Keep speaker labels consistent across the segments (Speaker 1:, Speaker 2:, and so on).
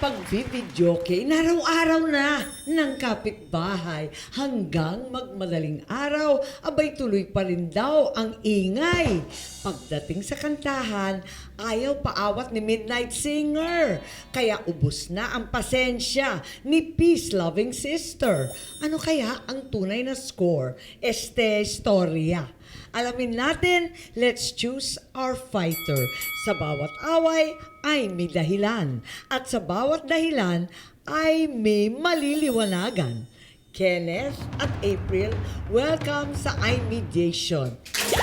Speaker 1: pag-videoke, inaraw-araw na ng kapitbahay hanggang magmadaling araw, abay tuloy pa rin daw ang ingay. Pagdating sa kantahan, ayaw paawat ni Midnight Singer. Kaya ubos na ang pasensya ni peace-loving sister. Ano kaya ang tunay na score? Este Historia. Alamin natin, let's choose our fighter. Sa bawat away ay may dahilan. At sa bawat dahilan ay may maliliwanagan. Kenneth at April, welcome sa iMediation.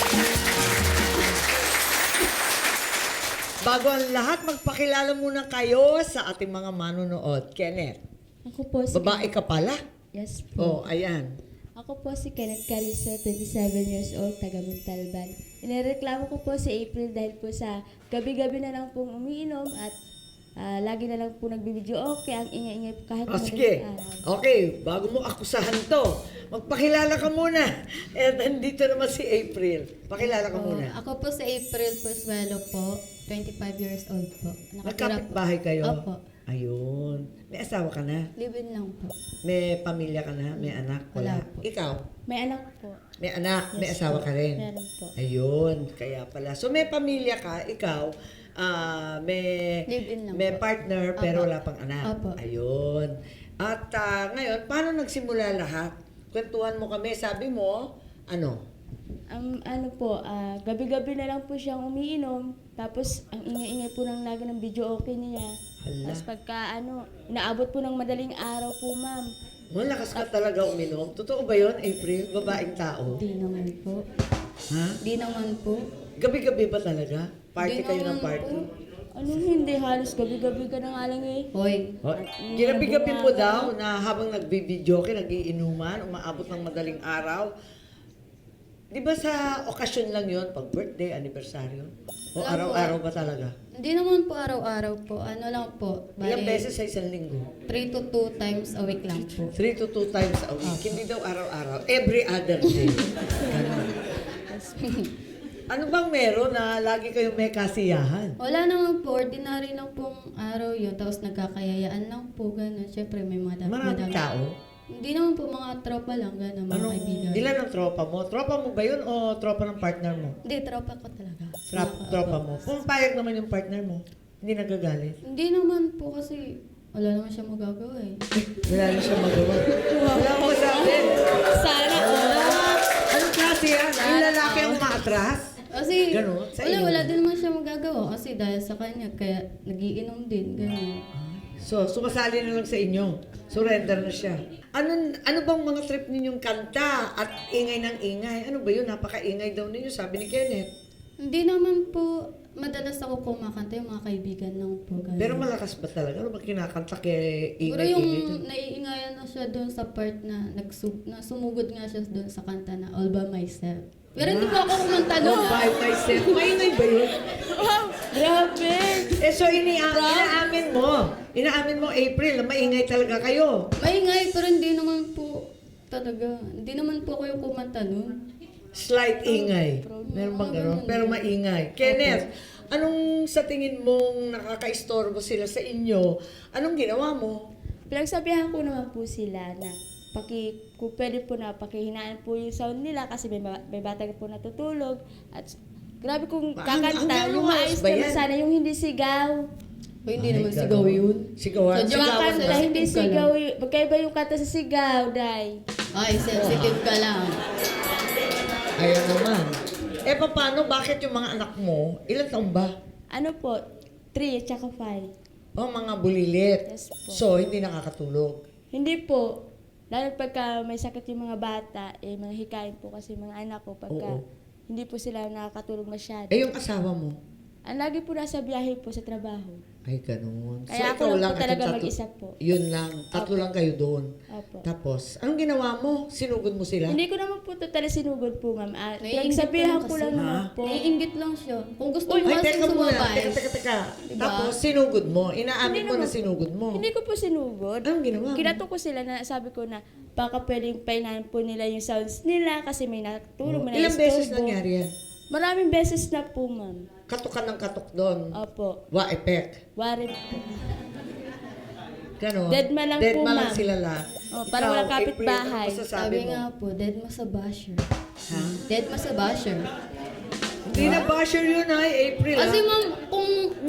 Speaker 1: Bago ang lahat, magpakilala muna kayo sa ating mga manonood. Kenneth,
Speaker 2: Ako po si
Speaker 1: babae ka pala?
Speaker 2: Yes
Speaker 1: Oh,
Speaker 2: po.
Speaker 1: ayan.
Speaker 2: Ako po si Kenneth Carrizo, 27 years old, taga Montalban. Inireklamo ko po si April dahil po sa gabi-gabi na lang pong umiinom at lagi na lang po nagbibideo okay, ang ingay-ingay po kahit
Speaker 1: Sige.
Speaker 2: madaling araw.
Speaker 1: Okay, bago mo akusahan to, magpakilala ka muna. At nandito naman si April. Pakilala ka muna.
Speaker 3: Ako po si April Persuelo po, 25 years old po. Nakatira po.
Speaker 1: Nagkapit-bahay kayo?
Speaker 3: Opo.
Speaker 1: Ayun. May asawa ka na?
Speaker 3: Live-in lang po.
Speaker 1: May pamilya ka na? May anak? Wala.
Speaker 3: Wala po.
Speaker 1: Ikaw?
Speaker 2: May anak po.
Speaker 1: May anak? May
Speaker 2: Yes
Speaker 1: asawa
Speaker 2: po.
Speaker 1: ka rin?
Speaker 2: Meron po.
Speaker 1: Ayun. Kaya pala. So may pamilya ka, ikaw, may
Speaker 3: Live-in lang
Speaker 1: may
Speaker 3: po.
Speaker 1: partner pero
Speaker 3: Opo.
Speaker 1: wala pang anak.
Speaker 3: Opo.
Speaker 1: Ayun. At ngayon, paano nagsimula lahat? Kwentuhan mo kami. Sabi mo, ano?
Speaker 2: Ano po, gabi-gabi na lang po siyang umiinom. Tapos, ang ingay-ingay po ng lagi ng video okay niya.
Speaker 1: Hala.
Speaker 2: Tapos pagka inaabot po ng madaling araw po, ma'am.
Speaker 1: Malakas ka talaga uminom. Totoo ba yun, April? Babaeng tao?
Speaker 3: Di naman po.
Speaker 1: Ha?
Speaker 3: Di naman po.
Speaker 1: Gabi-gabi ba talaga? Party
Speaker 3: Di
Speaker 1: kayo ng
Speaker 3: naman
Speaker 1: party?
Speaker 3: po.
Speaker 2: Hindi, halos gabi-gabi ka na nga lang eh.
Speaker 3: Hoy,
Speaker 1: Oh, ginabi-gabi mo daw na habang nagbibideo ka, nagiinuman, umaabot ng madaling araw. Di ba sa okasyon lang yon, pag birthday, anniversaryo? O
Speaker 3: Wala po.
Speaker 1: araw-araw ba talaga?
Speaker 3: hindi naman po araw-araw po. Ano lang po.
Speaker 1: Ilang beses sa isang linggo?
Speaker 3: 3 to 2 times a week lang po.
Speaker 1: 3 to 2 times a week. Hindi daw araw-araw. Every other day. Ganun. Ano bang meron na lagi kayong may kasiyahan?
Speaker 3: Wala naman po. Ordinary lang pong araw yun. Tapos nagkakayayaan lang po. Ganun. Siyempre may mga
Speaker 1: Maraming tao?
Speaker 3: Hindi naman po mga tropa lang. Ganun. Mga kaibigan.
Speaker 1: Ilan ang tropa mo? Tropa mo ba yun o tropa ng partner mo?
Speaker 3: Hindi, tropa ko talaga.
Speaker 1: Tropa mo. Pumapayag naman yung partner mo. Hindi nagagalit.
Speaker 3: Hindi naman po kasi wala naman siya magagawa eh.
Speaker 1: Wala na siya magawa. Wala ko masabi.
Speaker 2: Sana
Speaker 1: Anong klase yan? Yung lalaki ang umaatras?
Speaker 3: Kasi
Speaker 1: Ganun, sa inyo.
Speaker 3: wala din naman siya magagawa kasi dahil sa kanya kaya nagiinom din. Ganun.
Speaker 1: So, sumasali na lang sa inyo. Surrender na siya. Ano bang mga trip ninyong kanta at ingay ng ingay? Ano ba yun? Napaka-ingay daw ninyo, sabi ni Kenneth.
Speaker 3: Hindi naman po madalas ako kumakanta yung mga kaibigan lang po. Ganun.
Speaker 1: Pero malakas ba talaga? Ano ba kinakanta kay
Speaker 3: Siguro
Speaker 1: ingay-ingay
Speaker 3: yung
Speaker 1: dun?
Speaker 3: naiingayan na siya doon sa part na sumugod nga siya doon sa kanta na All By Myself. Pero hindi po ako kumanta
Speaker 1: Oh,
Speaker 3: doon.
Speaker 1: by myself. Maingay ba yun?
Speaker 2: Grabe!
Speaker 1: So, inaamin mo, April, na maingay talaga kayo.
Speaker 3: Maingay pero hindi naman po talaga. Hindi naman po ako yung kumanta doon.
Speaker 1: Slight ingay. Meron bang gano'n? Pero maingay. Kenneth, anong sa tingin mong nakaka-istorbo sila sa inyo? Anong ginawa mo?
Speaker 2: Pinagsabihan ko naman po sila na kung pwede po na pakihinaan po yung sound nila kasi may bata po natutulog at grabe kung kakanta,
Speaker 1: hanggang
Speaker 2: yung
Speaker 1: oras
Speaker 2: maayos
Speaker 1: ba
Speaker 2: naman
Speaker 1: yan?
Speaker 2: sana, yung hindi sigaw.
Speaker 3: O hindi
Speaker 1: Ay,
Speaker 3: naman
Speaker 1: ganun.
Speaker 3: sigaw yun.
Speaker 1: Sigawan?
Speaker 3: So,
Speaker 2: Yung
Speaker 1: Sigawan
Speaker 2: kanta,
Speaker 1: ba?
Speaker 2: hindi
Speaker 3: Sensitive ka
Speaker 2: sigaw, magkaiba yung kanta sa sigaw, day.
Speaker 3: Ay, sensitive ka lang.
Speaker 1: Ayan naman. Paano? Bakit yung mga anak mo, ilang taon ba?
Speaker 2: Ano po, 3 at saka 5.
Speaker 1: Mga bulilit.
Speaker 2: Yes po.
Speaker 1: So, hindi nakakatulog.
Speaker 2: Hindi po. Lalo pagka may sakit yung mga bata, mga hikain po kasi mga anak ko pagka
Speaker 1: Oo.
Speaker 2: hindi po sila nakakatulog masyado.
Speaker 1: Yung asawa mo?
Speaker 2: Ang lagi po nasa biyahe po sa trabaho.
Speaker 1: Ay, ganun.
Speaker 2: Kaya
Speaker 1: ikaw
Speaker 2: ako lang po
Speaker 1: at
Speaker 2: talaga
Speaker 1: yung
Speaker 2: mag-isa po.
Speaker 1: Yun lang. Tatlo lang kayo doon.
Speaker 2: Opo.
Speaker 1: Tapos, anong ginawa mo? Sinugod mo sila?
Speaker 2: Hindi ko naman po totally sinugod po, ma'am.
Speaker 3: Naiingit
Speaker 2: Pinagsabihan
Speaker 3: lang
Speaker 2: ko
Speaker 3: kasi.
Speaker 2: lang naman
Speaker 1: Ha?
Speaker 2: po.
Speaker 3: Naiingit lang siya. Kung gusto
Speaker 1: Ay,
Speaker 3: mo kasi
Speaker 1: teka muna.
Speaker 3: sumabay.
Speaker 1: Teka.
Speaker 3: Diba?
Speaker 1: Tapos, sinugod mo. Inaamin
Speaker 2: Hindi
Speaker 1: mo na
Speaker 2: naman.
Speaker 1: sinugod mo.
Speaker 2: Hindi ko po sinugod.
Speaker 1: Anong ginawa mo?
Speaker 2: Kinato ko sila na sabi ko na baka pwedeng painahan po nila yung sounds nila kasi may natulog, may
Speaker 1: Ilang beses
Speaker 2: naistorbo.
Speaker 1: nangyari yan?
Speaker 2: Maraming beses na po, ma'am.
Speaker 1: Katok ka ng katok doon.
Speaker 2: Opo.
Speaker 1: Wa epek.
Speaker 2: Warin po.
Speaker 1: Ganon.
Speaker 2: Deadma lang po,
Speaker 1: Deadma lang
Speaker 2: ma'am.
Speaker 1: sila lahat.
Speaker 2: Oh, parang walang
Speaker 1: Ikaw, April,
Speaker 2: kapitbahay.
Speaker 1: ano masasabi
Speaker 3: Sabi
Speaker 1: mo?
Speaker 3: nga po, dead mo sa basher.
Speaker 1: Ha?
Speaker 3: Dead mo sa basher.
Speaker 1: Hindi na basher yun ay April.
Speaker 3: Kasi
Speaker 1: ah.
Speaker 3: ma'am, kung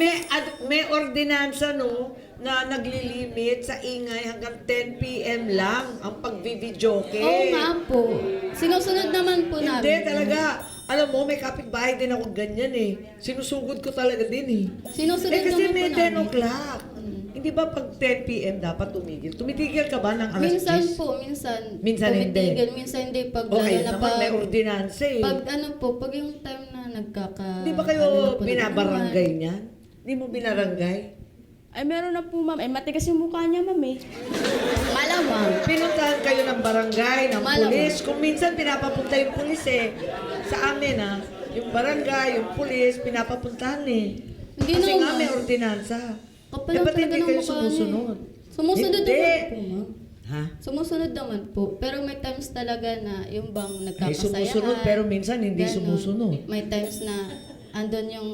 Speaker 1: May ordinansa no na naglilimit sa ingay hanggang 10 p.m. lang ang pagbibidyoke.
Speaker 3: oo nga po, sinusunod naman po namin.
Speaker 1: Hindi talaga. Alam mo, may kapitbahay din ako ganyan eh. Sinusugod ko talaga din eh.
Speaker 3: Sinusunod
Speaker 1: Kasi
Speaker 3: naman
Speaker 1: may
Speaker 3: po
Speaker 1: 10
Speaker 3: namin.
Speaker 1: o'clock. Hindi ba pag 10 p.m. dapat tumigil? Tumitigil ka ba ng alas 10?
Speaker 3: Minsan po, minsan.
Speaker 1: Minsan hindi.
Speaker 3: tumitigil, minsan hindi. Pag
Speaker 1: Okay
Speaker 3: lalo na
Speaker 1: naman, may
Speaker 3: pag,
Speaker 1: ordinansa eh.
Speaker 3: pag ano po, pag yung time na
Speaker 1: Di ba kayo
Speaker 3: ano na po,
Speaker 1: binabarangay niyan? Di mo binarangay?
Speaker 2: Ay, meron na po, ma'am. Ay, matigas yung mukha niya, ma'am eh.
Speaker 3: Malamang.
Speaker 1: Pinuntahan kayo ng barangay, ng
Speaker 3: Malamang.
Speaker 1: pulis. Kung minsan pinapapunta yung pulis eh. Sa amin yung barangay, yung pulis, pinapapuntahan eh.
Speaker 3: Hindi
Speaker 1: Kasi nga
Speaker 3: naman.
Speaker 1: may ordinansa.
Speaker 3: Kapal
Speaker 1: Eh,
Speaker 3: lang
Speaker 1: ba't
Speaker 3: talaga
Speaker 1: hindi
Speaker 3: ng
Speaker 1: kayo
Speaker 3: mukha
Speaker 1: sumusunod?
Speaker 3: niya eh. Sumusunod
Speaker 1: Hindi.
Speaker 3: naman po, ma'am.
Speaker 1: Ha?
Speaker 3: Sumusunod naman po. Pero may times talaga na yung bang
Speaker 1: Ay,
Speaker 3: nagkakasayaan.
Speaker 1: sumusunod pero minsan hindi
Speaker 3: Ganon.
Speaker 1: sumusunod.
Speaker 3: May times na andon yung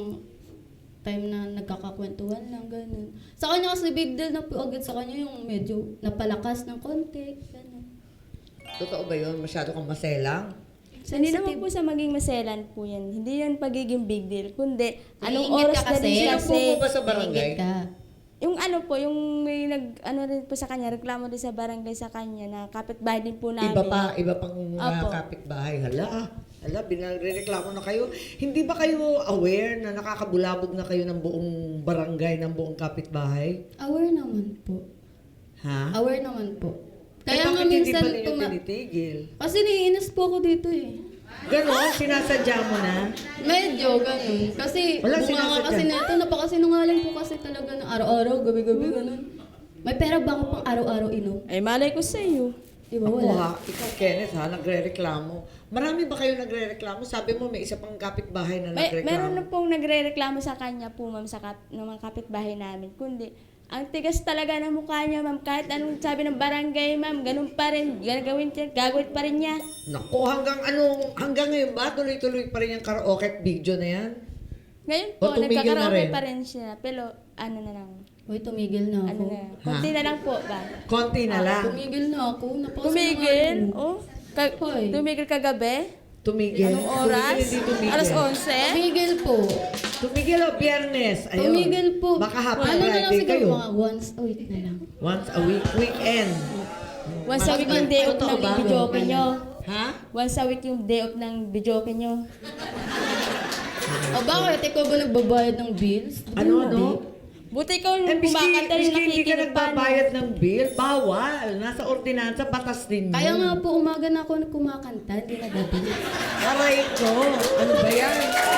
Speaker 3: time na nagkakakwentuhan lang, ganun. Sa kanya kasi big deal na po agad sa kanya yung medyo napalakas ng konti, ganun.
Speaker 1: Totoo ba yun? Masyado kang maselang?
Speaker 2: Hindi naman po sa maging maselan po yan. Hindi yan pagiging big deal. Kundi, anong
Speaker 3: Naiingit
Speaker 2: oras
Speaker 3: ka
Speaker 2: na
Speaker 3: kasi.
Speaker 2: din
Speaker 1: Sino
Speaker 2: kasi.
Speaker 1: po ba sa barangay?
Speaker 3: Naiingit ka.
Speaker 2: Yung ano po, yung may ano rin po sa kanya, reklamo din sa barangay sa kanya na kapitbahay din po namin.
Speaker 1: Iba pang
Speaker 2: Opo.
Speaker 1: kapitbahay. Hala, binagreklamo na kayo. Hindi ba kayo aware na nakakabulabog na kayo ng buong barangay, ng buong kapitbahay?
Speaker 3: Aware naman po.
Speaker 1: Ha?
Speaker 3: Aware naman po.
Speaker 1: Kaya
Speaker 3: Kaya nga
Speaker 1: hindi
Speaker 3: minsan
Speaker 1: pa ninyo tinitigil?
Speaker 3: Kasi naiinis po ako dito eh.
Speaker 1: Ganon, sinasadya mo na.
Speaker 3: Medyo ganun. Kasi
Speaker 1: Wala,
Speaker 3: bunga nga
Speaker 1: sinasadya.
Speaker 3: kasi nito, napakasinungaling po kasi talaga na araw-araw, gabi-gabi, ganun. May pera ba ako pang araw-araw inom?
Speaker 2: Ay, malay ko sa iyo.
Speaker 3: Di ba
Speaker 1: Ako
Speaker 3: wala?
Speaker 1: ikaw Kenneth nagre-reklamo. Marami ba kayo nagre-reklamo? Sabi mo may isa pang kapitbahay na nagreklamo.
Speaker 2: Meron na pong nagre-reklamo sa kanya po, ma'am, ng mga kapitbahay namin. Kundi, ang tigas talaga ng mukha niya, ma'am. Kahit anong sabi ng barangay, ma'am, ganun pa rin. Gagawin pa rin niya.
Speaker 1: Naku, hanggang ngayon ba? Tuloy-tuloy pa rin yung karaoke at video na yan?
Speaker 2: Ngayon
Speaker 1: O,
Speaker 2: po,
Speaker 1: tumigil na
Speaker 2: nagkakaroon
Speaker 1: rin?
Speaker 2: pa rin siya. Pero, ano na lang.
Speaker 3: Uy, tumigil na
Speaker 2: Ano
Speaker 3: ako.
Speaker 2: na. Konti na lang po ba?
Speaker 1: Konti na lang.
Speaker 3: Tumigil na ako.
Speaker 2: Tumigil? Oh,
Speaker 3: Hoy.
Speaker 2: tumigil kagabi?
Speaker 1: Tumigil.
Speaker 2: Anong oras?
Speaker 1: Tumigil, hindi tumigil.
Speaker 2: Alas 11?
Speaker 3: Tumigil po.
Speaker 1: Tumigil o biyernes. Ayun.
Speaker 3: Tumigil po.
Speaker 1: Baka happy
Speaker 3: Ano na lang
Speaker 1: Friday
Speaker 3: siguro,
Speaker 1: kayo.
Speaker 3: mga once a week na lang.
Speaker 1: Once a week. Weekend.
Speaker 2: Once a week yung day off
Speaker 1: Totoo
Speaker 2: ng
Speaker 1: ba?
Speaker 2: videoke nyo.
Speaker 1: Ha?
Speaker 2: Once a week yung day off ng videoke nyo.
Speaker 3: O bakit? Ikaw ba nagbabayad ng bills?
Speaker 1: Ano?
Speaker 2: Buti ikaw
Speaker 1: Eh,
Speaker 2: yung
Speaker 1: miski
Speaker 2: kumakanta rin
Speaker 1: hindi ka
Speaker 2: nakikinig pa.
Speaker 1: nagbabayad ng bill, bawal. Nasa ordinansa, batas din yun.
Speaker 3: Kaya nga po, umaga na ako kumakanta, hindi na gabi.
Speaker 1: Aray ko. Ano ba yan?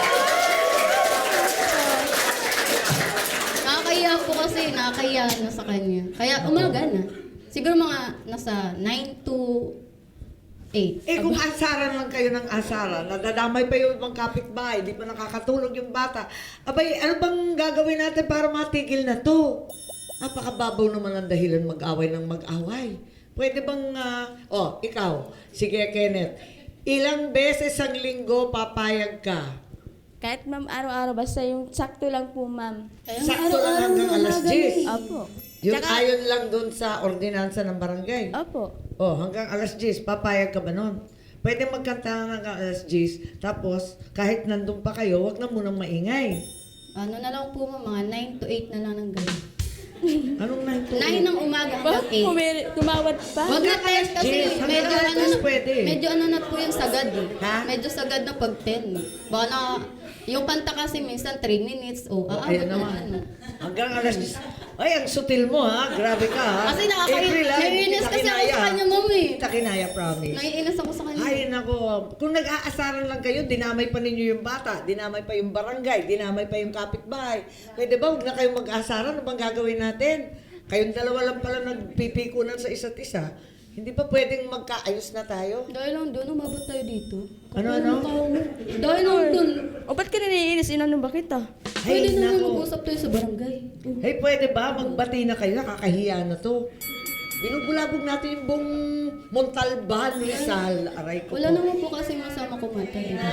Speaker 3: Nakakahiya po kasi, nakakahiya na sa kanya. Kaya umaga na. Siguro mga nasa 9 to 8.
Speaker 1: Eh kung asaran lang kayo ng asaran, nadadamay pa yung ibang kapitbahay, di pa nakakatulog yung bata. Abay, ano bang gagawin natin para matigil na to? Napakababaw naman ang dahilan mag-away ng mag-away. Pwede bang, ikaw, sige Kenneth, ilang beses ang linggo papayag ka?
Speaker 2: Kahit ma'am, araw-araw, basta yung sakto lang po, ma'am.
Speaker 1: Sakto lang hanggang alas 10.
Speaker 2: Opo.
Speaker 1: Yung
Speaker 2: Tsaka-
Speaker 1: ayon lang dun sa ordinansa ng barangay.
Speaker 2: Opo.
Speaker 1: Oh, hanggang alas 10, papayag ka ba nun? Pwede magkanta hanggang alas 10, tapos kahit nandun pa kayo, wag na munang maingay.
Speaker 3: Ano na lang po mga 9 to 8 na lang ng gabi.
Speaker 1: Anong 9 to
Speaker 3: 9 ng umaga hanggang 8.
Speaker 2: Tumawad pa?
Speaker 3: Wag na tayo kasi
Speaker 1: Yes, hanggang
Speaker 3: medyo
Speaker 1: alas
Speaker 3: ano
Speaker 1: 10
Speaker 3: na,
Speaker 1: pwede.
Speaker 3: medyo ano na po yung sagad eh.
Speaker 1: Ha?
Speaker 3: Medyo sagad na pag 10. Baka na, yung kanta kasi minsan 3 minutes o
Speaker 1: Ayan
Speaker 3: aabot na
Speaker 1: naman.
Speaker 3: ano.
Speaker 1: Hanggang alas 10. Ay, ang sutil mo ha. Grabe ka ha.
Speaker 3: Kasi
Speaker 1: April, ha?
Speaker 3: naiinis
Speaker 1: Kita
Speaker 3: kasi ako
Speaker 1: kinaya,
Speaker 3: sa
Speaker 1: ha?
Speaker 3: kanya, ma'am eh.
Speaker 1: Kita kinaya, promise.
Speaker 3: Naiinis ako sa kanya.
Speaker 1: Ay, nako. Kung nag-aasaran lang kayo, dinamay pa ninyo yung bata, dinamay pa yung barangay, dinamay pa yung kapitbahay. Pwede ba, huwag na kayong mag-aasaran, ano bang gagawin natin? Kayong dalawa lang pala nagpipikunan sa isa't isa. Hindi pa pwedeng magkaayos na tayo?
Speaker 3: Dahil lang doon, umabot tayo dito.
Speaker 1: Ano?
Speaker 3: Dahil lang doon.
Speaker 2: O ba't ka naiinis? Inano ba kita?
Speaker 3: Pwede
Speaker 1: Ay,
Speaker 3: na
Speaker 1: nako.
Speaker 3: mag-usap tayo sa barangay.
Speaker 1: Hey, pwede ba? Magbati na kayo, nakakahiya na to. Binubulabog natin yung buong Montalban, Rizal. Aray ko
Speaker 3: Wala
Speaker 1: po.
Speaker 3: naman po kasi masama kumanta. Diba?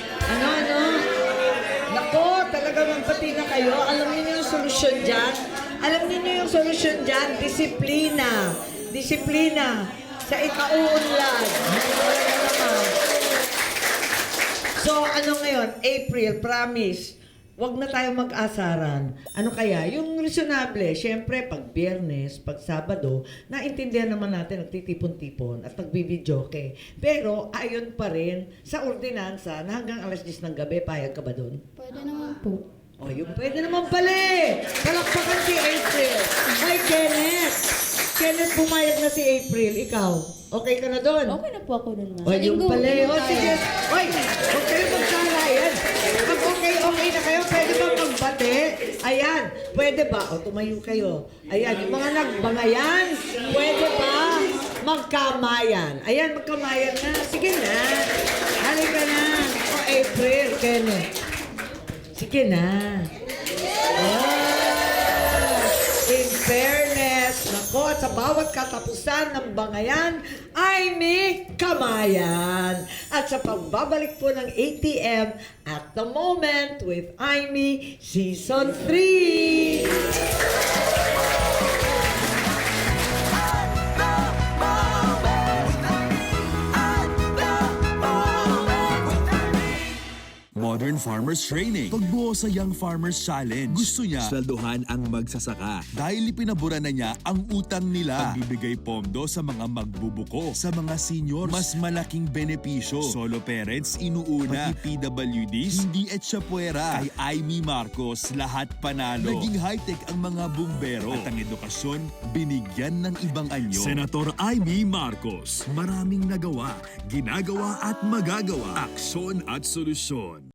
Speaker 1: Ano? Nako, talagang magbati na kayo. Alam niyo yung solusyon dyan? Alam niyo yung solusyon dyan, disiplina. Disiplina sa ikauunlad. Wala naman. So, ano ngayon? April, promise. Wag na tayo mag-asaran. Ano kaya? Yung reasonable. Siyempre, pag Biyernes, pag Sabado, naintindihan naman natin, nagtitipon-tipon at nagbibidyoke. Pero, ayon pa rin sa ordinansa na hanggang alas 10 ng gabi, payag ka ba doon?
Speaker 3: Pwede naman po.
Speaker 1: O, yung pwede naman pala eh. Palakpakan si April. Hi, Kenneth. Kenneth, pumayag na si April. Ikaw, okay ka na doon?
Speaker 2: Okay na po ako nun, ma'am.
Speaker 1: O, yung
Speaker 3: Linggo,
Speaker 1: pala eh. O,
Speaker 3: linggo tayo.
Speaker 1: sige. Oy, huwag kayo magsalayan. Pag okay na kayo, pwede ba magbate? Ayan, pwede ba? O, tumayo kayo. Ayan, yung mga nagbangayan, pwede ba magkamayan? Ayan, magkamayan na. Sige na. Halika na. O, April, Kenneth. Sige na. In fairness, nako, at sa bawat katapusan ng bangayan ay may kamayan. At sa pagbabalik po ng ATM at the moment with Aimee Season 3.
Speaker 4: Modern Farmers Training. Pagbuo sa Young Farmers Challenge. Gusto niya sweldohan ang magsasaka. Dahil ipinabura na niya ang utang nila. Pagbibigay pondo sa mga magbubuko. Sa mga seniors, mas malaking benepisyo. Solo parents, inuuna. Pati PWDs, hindi etsapuera. Kay Aimee Marcos, lahat panalo. Naging high-tech ang mga bumbero. At ang edukasyon, binigyan ng ibang anyo. Senator Aimee Marcos, maraming nagawa, ginagawa at magagawa. Aksyon at solusyon.